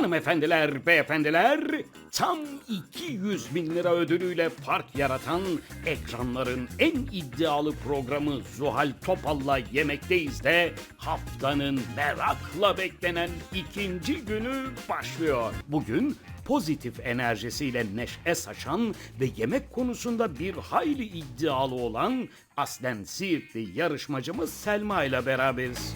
Hanımefendiler, beyefendiler, tam 200 bin lira ödülüyle fark yaratan ekranların en iddialı programı Zuhal Topal'la Yemekteyiz de haftanın merakla beklenen ikinci günü başlıyor. Bugün pozitif enerjisiyle neşe saçan ve yemek konusunda bir hayli iddialı olan aslen Siirtli yarışmacımız Selma ile beraberiz.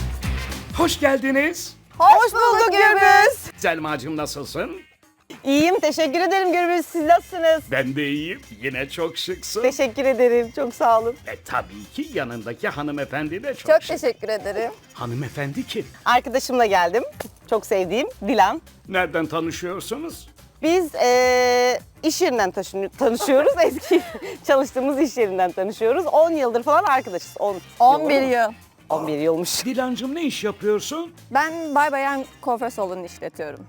Hoş geldiniz. Hoş bulduk Gürbüz. Selmacığım nasılsın? İyiyim, teşekkür ederim Gürbüz. Siz nasılsınız? Ben de iyiyim. Yine çok şıksın. Teşekkür ederim, çok sağ olun. Tabii ki yanındaki hanımefendi de çok Çok şık. teşekkür ederim. Hanımefendi kim? Arkadaşımla geldim. Çok sevdiğim Dilan. Nereden tanışıyorsunuz? Biz iş yerinden tanışıyoruz. Eski çalıştığımız iş yerinden tanışıyoruz. 10 yıldır falan arkadaşız. 11 yıl. 11 yılmış. Dilancığım ne iş yapıyorsun? Ben Bay Bayan kuaför salonu işletiyorum.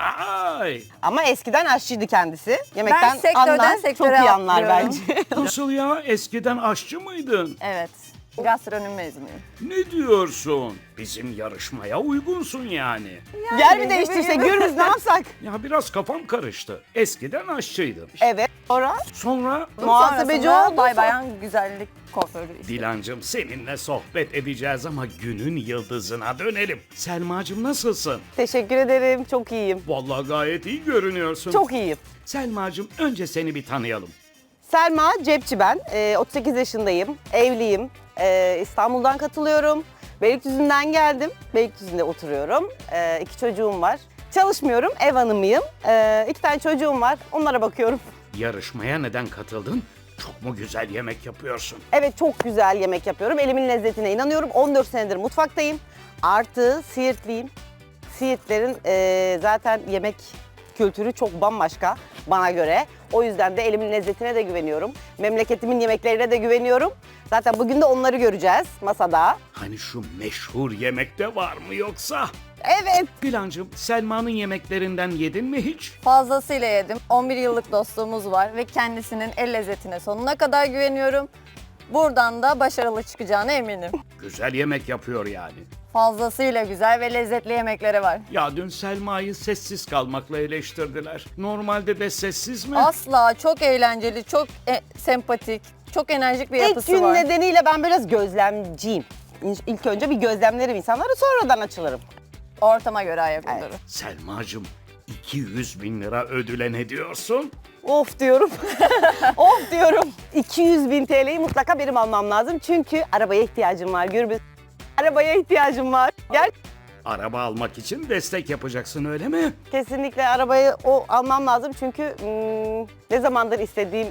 Vay! Ama eskiden aşçıydı kendisi. Yemekten sektörden anlar, sektöre çok iyi anlar atlıyorum. bence. Nasıl ya? Eskiden aşçı mıydın? Evet. Gastronomi mezunuyum. Ne diyorsun? Bizim yarışmaya uygunsun yani. Gel mi değiştirsek Gürbüz, ne yapsak? Ya biraz kafam karıştı. Eskiden aşçıydın. Evet. Sonra Sonra muhasebeci Sonrasında oldu. Bay Bayan güzellik kuaförü işletiyorum. Dilancığım seninle sohbet edeceğiz ama günün yıldızına dönelim. Selmacığım nasılsın? Teşekkür ederim. Çok iyiyim. Vallahi gayet iyi görünüyorsun. Çok iyiyim. Selmacığım önce seni bir tanıyalım. Selma Cepçi ben. 38 yaşındayım. Evliyim. İstanbul'dan katılıyorum. Beylikdüzü'nden geldim. Beylikdüzü'nde oturuyorum. 2 çocuğum var. Çalışmıyorum. Ev hanımıyım. 2 tane çocuğum var. Onlara bakıyorum. Yarışmaya neden katıldın? Çok mu güzel yemek yapıyorsun? Evet, çok güzel yemek yapıyorum. Elimin lezzetine inanıyorum. 14 senedir mutfaktayım. Artı Siirtliyim. Siirtlerin zaten yemek kültürü çok bambaşka bana göre. O yüzden de elimin lezzetine de güveniyorum. Memleketimin yemeklerine de güveniyorum. Zaten bugün de onları göreceğiz masada. Hani şu meşhur yemekte var mı yoksa? Evet. Dilancığım Selma'nın yemeklerinden yedin mi hiç? Fazlasıyla yedim. 11 yıllık dostluğumuz var ve kendisinin el lezzetine sonuna kadar güveniyorum. Buradan da başarılı çıkacağına eminim. Güzel yemek yapıyor yani. Fazlasıyla güzel ve lezzetli yemekleri var. Ya dün Selma'yı sessiz kalmakla eleştirdiler. Normalde de sessiz mi? Asla çok eğlenceli, çok sempatik, çok enerjik bir İlk yapısı gün var. nedeniyle ben biraz gözlemciyim. İlk önce bir gözlemlerim insanları, sonradan açılırım. Ortama göre ayak uydurur. Selmacığım 200 bin lira ödüle ne diyorsun? Of diyorum. Of diyorum. 200 bin TL'yi mutlaka benim almam lazım. Çünkü arabaya ihtiyacım var Gürbüz. Arabaya ihtiyacım var. Gel. Araba almak için destek yapacaksın öyle mi? Kesinlikle arabayı almam lazım. Çünkü ne zamandır istediğim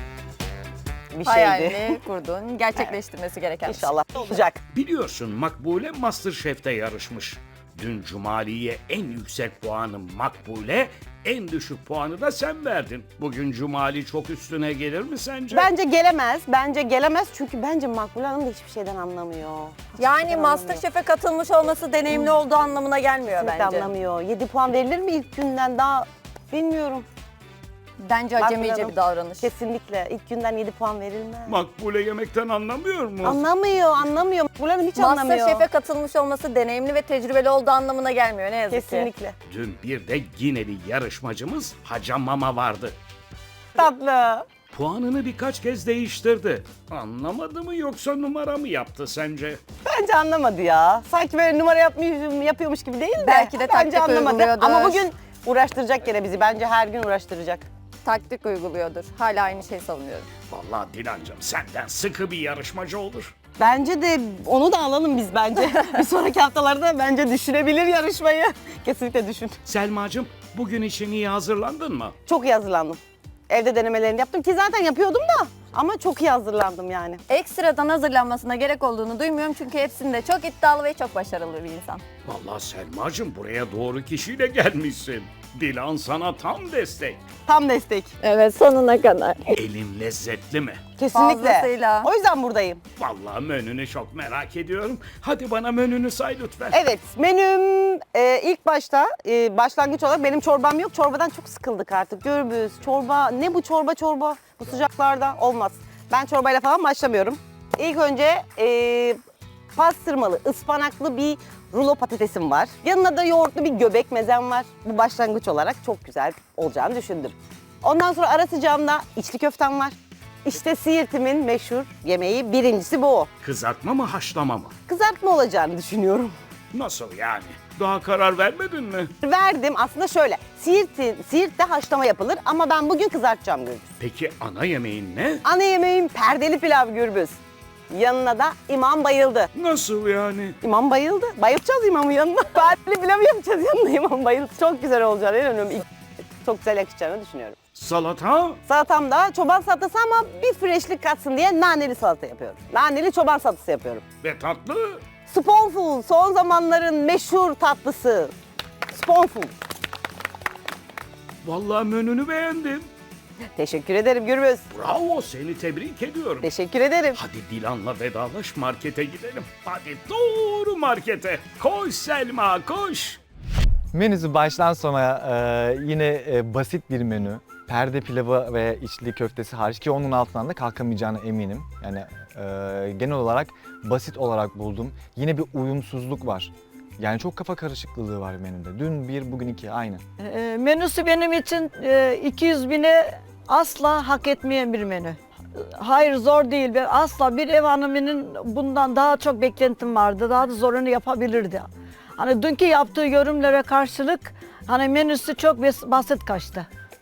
bir şeydi. Hayalini kurduğun, gerçekleştirmesi gereken bir şey. İnşallah olacak. Biliyorsun Makbule MasterChef'te yarışmış. Dün Cumali'ye en yüksek puanı Makbule, en düşük puanı da sen verdin. Bugün Cumali çok üstüne gelir mi sence? Bence gelemez. Bence gelemez. Çünkü bence Makbule Hanım da hiçbir şeyden anlamıyor. Yani MasterChef'e katılmış olması deneyimli olduğu anlamına gelmiyor Kesinlikle bence. anlamıyor. 7 puan verilir mi ilk günden, daha bilmiyorum. Bence Makbule acemice Hanım bir davranış. Kesinlikle. İlk günden 7 puan verilmez. Makbule yemekten anlamıyor mu? Anlamıyor. Makbule Hanım hiç anlamıyor. MasterChef'e katılmış olması deneyimli ve tecrübeli olduğu anlamına gelmiyor ne yazık ki. Kesinlikle. Dün bir de Gineli yarışmacımız Haca Mama vardı. Tatlı. Puanını birkaç kez değiştirdi. Anlamadı mı yoksa numara mı yaptı sence? Bence anlamadı ya. Sanki böyle numara yapıyormuş gibi değil de. Belki de bence taktik anlamadı. uyguluyordur. Ama bugün uğraştıracak gene bizi. Bence her gün uğraştıracak. Taktik uyguluyordur. Hala aynı şeyi savunuyorum. Vallahi Dilancığım senden sıkı bir yarışmacı olur. Bence de onu da alalım biz bence. Bir sonraki haftalarda bence düşünebilir yarışmayı. Kesinlikle düşün. Selmacığım bugün için iyi hazırlandın mı? Çok iyi hazırlandım. Evde denemelerini yaptım ki zaten yapıyordum da. Ama çok iyi hazırlandım yani. Ekstradan hazırlanmasına gerek olduğunu duymuyorum çünkü hepsinde çok iddialı ve çok başarılı bir insan. Vallahi Selmacığım buraya doğru kişiyle gelmişsin. Dilan sana tam destek. Tam destek. Evet sonuna kadar. Elin lezzetli mi? Kesinlikle. Fazlasıyla. O yüzden buradayım. Vallahi menünü çok merak ediyorum. Hadi bana menünü say lütfen. Evet, menüm ilk başta başlangıç olarak benim çorbam yok. Çorbadan çok sıkıldık artık. Gürbüz, çorba, ne bu çorba? Bu sıcaklarda olmaz. Ben çorbayla falan başlamıyorum. İlk önce pastırmalı, ıspanaklı bir rulo patatesim var. Yanına da yoğurtlu bir göbek mezem var. Bu başlangıç olarak çok güzel olacağını düşündüm. Ondan sonra ara sıcağımda içli köftem var. İşte Siirt'imin meşhur yemeği birincisi bu. Kızartma mı haşlama mı? Kızartma olacağını düşünüyorum. Nasıl yani? Daha karar vermedin mi? Verdim aslında şöyle. Siirt'te haşlama yapılır ama ben bugün kızartacağım Gürbüz. Peki ana yemeğin ne? Ana yemeğim perdeli pilav Gürbüz. Yanına da imam bayıldı. Nasıl yani? İmam bayıldı. Bayılacağız imamın yanına. Perdeli pilav yapacağız yanına imam bayıldı. Çok güzel olacağını inanıyorum. Çok güzel yakışacağını düşünüyorum. Salata? Salatam da çoban salatası ama bir freshlik katsın diye naneli salata yapıyorum. Naneli çoban salatası yapıyorum. Ve tatlı? Spoonful son zamanların meşhur tatlısı. Spoonful. Vallahi menünü beğendim. Teşekkür ederim Gürbüz. Bravo, seni tebrik ediyorum. Teşekkür ederim. Hadi Dilan'la vedalaş, markete gidelim. Hadi doğru markete. Koş Selma, koş. Menüsü baştan sona yine basit bir menü. Perde pilavı ve içli köftesi hariç ki onun altından da kalkamayacağına eminim. Yani genel olarak basit olarak buldum. Yine bir uyumsuzluk var. Yani çok kafa karışıklığı var menüde. Dün bir, bugün iki aynı. Menüsü benim için 200 bine asla hak etmeyen bir menü. Hayır zor değil. Ben asla bir ev hanımının bundan daha çok beklentim vardı. Daha da zorunu yapabilirdi. Hani dünkü yaptığı yorumlara karşılık hani menüsü çok basit kaçtı.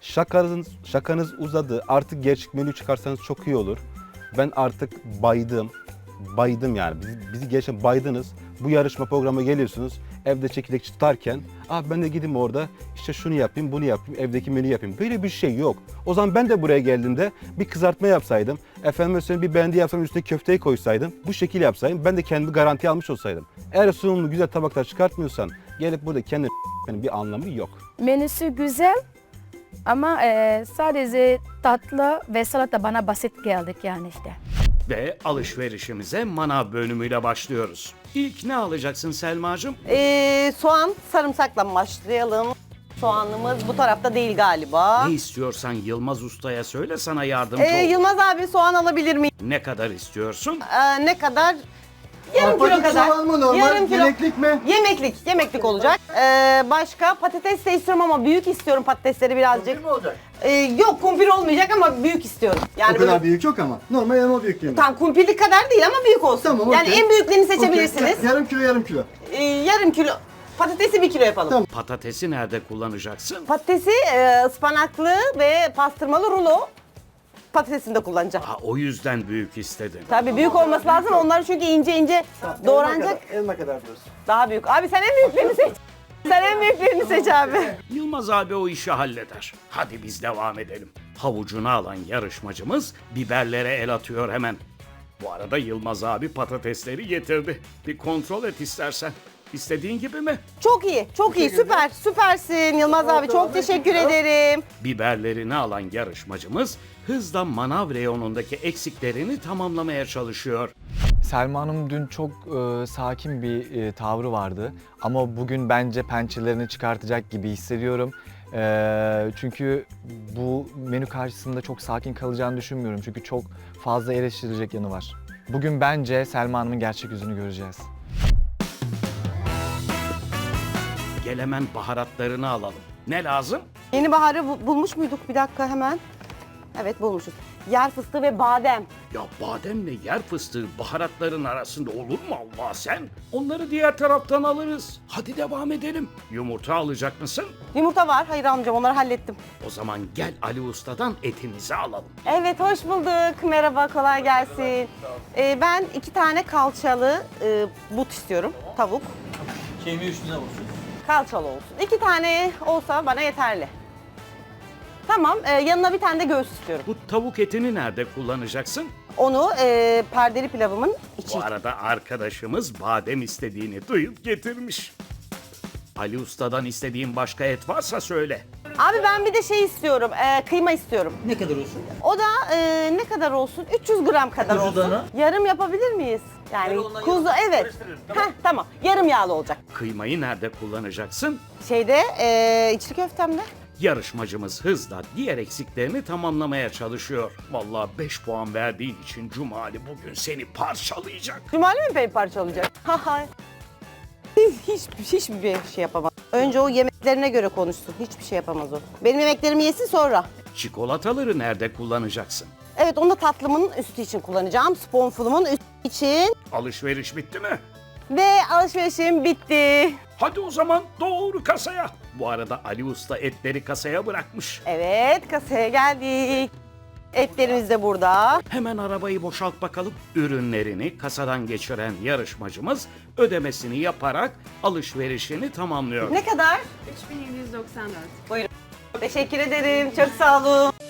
Şakanız uzadı. Artık gerçek menü çıkarsanız çok iyi olur. Ben artık baydım. Baydım yani. Bizi gerçekten baydınız. Bu yarışma programına geliyorsunuz. Evde çekirdek tutarken ben de gideyim orada işte şunu yapayım, bunu yapayım, evdeki menü yapayım. Böyle bir şey yok. O zaman ben de buraya geldiğimde bir kızartma yapsaydım. Efendime söyleyeyim bir bendi yapsam üstüne köfteyi koysaydım. Bu şekil yapsaydım. Ben de kendimi garanti almış olsaydım. Eğer sunumlu güzel tabaklar çıkartmıyorsan gelip burada kendi bir anlamı yok. Menüsü güzel ama sadece tatlı ve salata bana basit geldik yani işte. Ve alışverişimize manav bölümüyle başlıyoruz. İlk ne alacaksın Selma'cığım? Soğan, sarımsakla başlayalım. Soğanımız bu tarafta değil galiba. Ne istiyorsan Yılmaz Usta'ya söyle, sana yardımcı ol. Yılmaz abi soğan alabilir miyim? Ne kadar istiyorsun? Ne kadar? Yarım kilo kadar. Soğan mı normal? Yarım kilo. Yemeklik mi? Yemeklik olacak. Başka patates de istiyorum ama büyük istiyorum patatesleri birazcık. Ne olacak? Yok kumpir olmayacak ama büyük istiyorum. Yani O kadar böyle- büyük çok ama. Normal elma büyüklüğünde. Tam kumpirlik kadar değil ama büyük olsun. Tamam, Yani okey. en büyüklerini seçebilirsiniz. Okey. Yarım kilo yarım kilo. Yarım kilo. Patatesi 1 kilo yapalım. Tamam. Patatesi nerede kullanacaksın? Patatesi ıspanaklı ve pastırmalı rulo patatesini de kullanacağım. O yüzden büyük istedim. Tabii büyük olması lazım. Onlar çünkü ince ince doğranacak. Elma kadar diyorsun. Daha büyük. Abi sen en büyüklerini seç. Sen en büyüklerini seç abi. Yılmaz abi o işi halleder. Hadi biz devam edelim. Havucunu alan yarışmacımız biberlere el atıyor hemen. Bu arada Yılmaz abi patatesleri getirdi. Bir kontrol et istersen. İstediğin gibi mi? Çok iyi, çok iyi. Süper, süpersin Yılmaz abi. Çok teşekkür ederim. Biberlerini alan yarışmacımız hızla manav reyonundaki eksiklerini tamamlamaya çalışıyor. Selma Hanım dün çok sakin bir tavrı vardı. Ama bugün bence pençelerini çıkartacak gibi hissediyorum. Çünkü bu menü karşısında çok sakin kalacağını düşünmüyorum. Çünkü çok fazla eleştirilecek yanı var. Bugün bence Selma Hanım'ın gerçek yüzünü göreceğiz. Gel hemen baharatlarını alalım. Ne lazım? Yeni baharı bulmuş muyduk? Bir dakika hemen. Evet bulmuşuz. Yer fıstığı ve badem. Ya bademle yer fıstığı baharatların arasında olur mu Allah sen? Onları diğer taraftan alırız. Hadi devam edelim. Yumurta alacak mısın? Yumurta var. Hayır almayacağım. Onları hallettim. O zaman gel Ali Usta'dan etimizi alalım. Evet hoş bulduk. Merhaba kolay gelsin. Ben 2 tane kalçalı but istiyorum. Tavuk. Kemiği üstüne olsun. Kalçalı olsun. 2 tane olsa bana yeterli. Tamam yanına bir tane de göğüs istiyorum. Bu tavuk etini nerede kullanacaksın? Onu perdeli pilavımın içi. Bu arada arkadaşımız badem istediğini duyup getirmiş. Ali Usta'dan istediğin başka et varsa söyle. Abi ben bir de şey istiyorum. Kıyma istiyorum. Ne kadar olsun? O da ne kadar olsun? 300 gram kadar Kuzu olsun. dana. Yarım yapabilir miyiz? Yani Yarım ondan kuzu yarım evet. karıştırırız, Heh, tamam. Yarım yağlı olacak. Kıymayı nerede kullanacaksın? Şeyde içli köftemde. Yarışmacımız hızla diğer eksiklerini tamamlamaya çalışıyor. Vallahi 5 puan verdiğin için Cumali bugün seni parçalayacak. Cumali mi parçalayacak? Haha. Hiçbir şey yapamaz. Önce o yemeklerine göre konuşsun. Hiçbir şey yapamaz o. Benim yemeklerimi yesin sonra. Çikolataları nerede kullanacaksın? Evet, onu da tatlımın üstü için kullanacağım. Spoonful'umun üstü için. Alışveriş bitti mi? Ve alışverişim bitti. Hadi o zaman doğru kasaya. Bu arada Ali Usta etleri kasaya bırakmış. Evet, kasaya geldik. Etlerimiz de burada. Hemen arabayı boşalt bakalım. Ürünlerini kasadan geçiren yarışmacımız ödemesini yaparak alışverişini tamamlıyor. Ne kadar? 3794. Buyurun. Teşekkür ederim. Çok sağ olun.